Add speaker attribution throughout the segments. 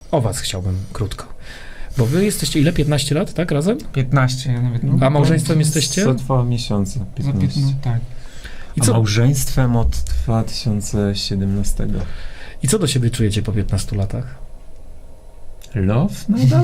Speaker 1: o was chciałbym krótko. Bo wy jesteście ile? 15 lat, tak? Razem?
Speaker 2: 15, ja nawet...
Speaker 1: A małżeństwem jesteście?
Speaker 3: Co 2 miesiące, 15.
Speaker 2: tak.
Speaker 1: I
Speaker 3: A
Speaker 1: co,
Speaker 3: małżeństwem od 2017.
Speaker 1: I co do siebie czujecie po 15 latach?
Speaker 3: Love nadal?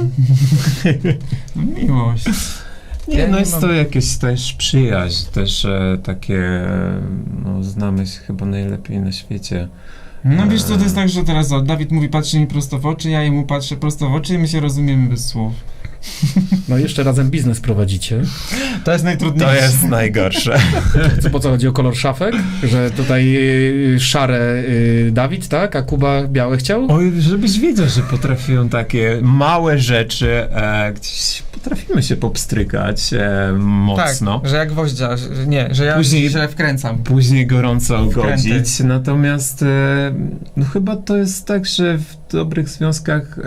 Speaker 2: No, miłość.
Speaker 3: Nie,
Speaker 2: Ja
Speaker 3: no
Speaker 2: nie
Speaker 3: jest
Speaker 2: mam-
Speaker 3: to jakieś też przyjaźń, też takie, no znamy się chyba najlepiej na świecie.
Speaker 2: No wiesz co, to jest tak, że teraz Dawid mówi, patrzy mi prosto w oczy, ja jemu patrzę prosto w oczy i my się rozumiemy bez słów.
Speaker 1: No jeszcze razem biznes prowadzicie.
Speaker 2: To jest najtrudniejsze.
Speaker 3: To jest najgorsze.
Speaker 1: Po co chodzi o kolor szafek? Że tutaj szare Dawid, tak? A Kuba białe chciał?
Speaker 3: Oj, żebyś wiedział, że potrafią takie małe rzeczy, gdzieś potrafimy się popstrykać mocno.
Speaker 2: Tak, że jak gwoździa, że ja
Speaker 3: Później-
Speaker 2: się źle
Speaker 3: Później gorąco
Speaker 2: Wkręty.
Speaker 3: godzić, natomiast no chyba to jest tak, że w dobrych związkach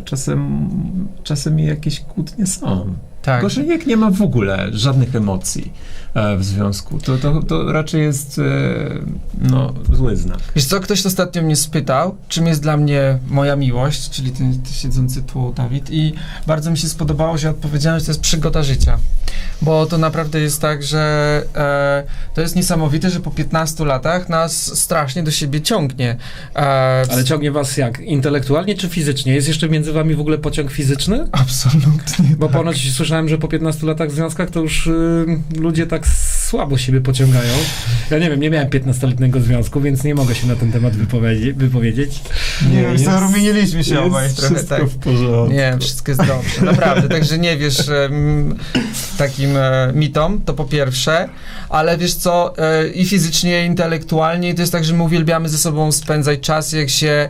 Speaker 3: czasem jakieś kłótnie są.
Speaker 2: Tak.
Speaker 3: Gorzej jak nie ma w ogóle żadnych emocji w związku, to raczej jest no, zły znak.
Speaker 2: Wiesz co, ktoś ostatnio mnie spytał, czym jest dla mnie moja miłość, czyli ten siedzący tu Dawid, i bardzo mi się spodobało, że odpowiedziałem, że to jest przygoda życia. Bo to naprawdę jest tak, że to jest niesamowite, że po 15 latach nas strasznie do siebie ciągnie.
Speaker 1: Ale ciągnie was jak? Intelektualnie czy fizycznie? Jest jeszcze między wami w ogóle pociąg fizyczny?
Speaker 2: Absolutnie.
Speaker 1: Bo ponoć słyszałem, że po 15 latach w związkach to już ludzie tak słabo siebie pociągają. Ja nie wiem, nie miałem 15-letniego związku, więc nie mogę się na ten temat wypowiedzieć.
Speaker 2: Nie, już zarumieniliśmy się obaj trochę,
Speaker 3: wszystko
Speaker 2: tak.
Speaker 3: w porządku.
Speaker 2: Nie, wszystko jest dobrze, naprawdę. Także nie wiesz takim mitom, to po pierwsze, ale wiesz co, i fizycznie, i intelektualnie, i to jest tak, że my uwielbiamy ze sobą spędzać czas, jak się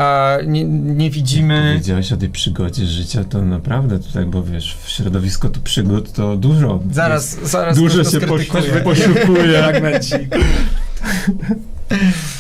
Speaker 2: nie widzimy.
Speaker 3: Powiedziałeś o tej przygodzie życia, to naprawdę tutaj, bo wiesz, w środowisku tu przygód to dużo.
Speaker 2: Zaraz
Speaker 3: Dużo
Speaker 2: ktoś to
Speaker 3: się
Speaker 2: skrytykuje.
Speaker 3: posiłkuje.
Speaker 1: Fragmencik.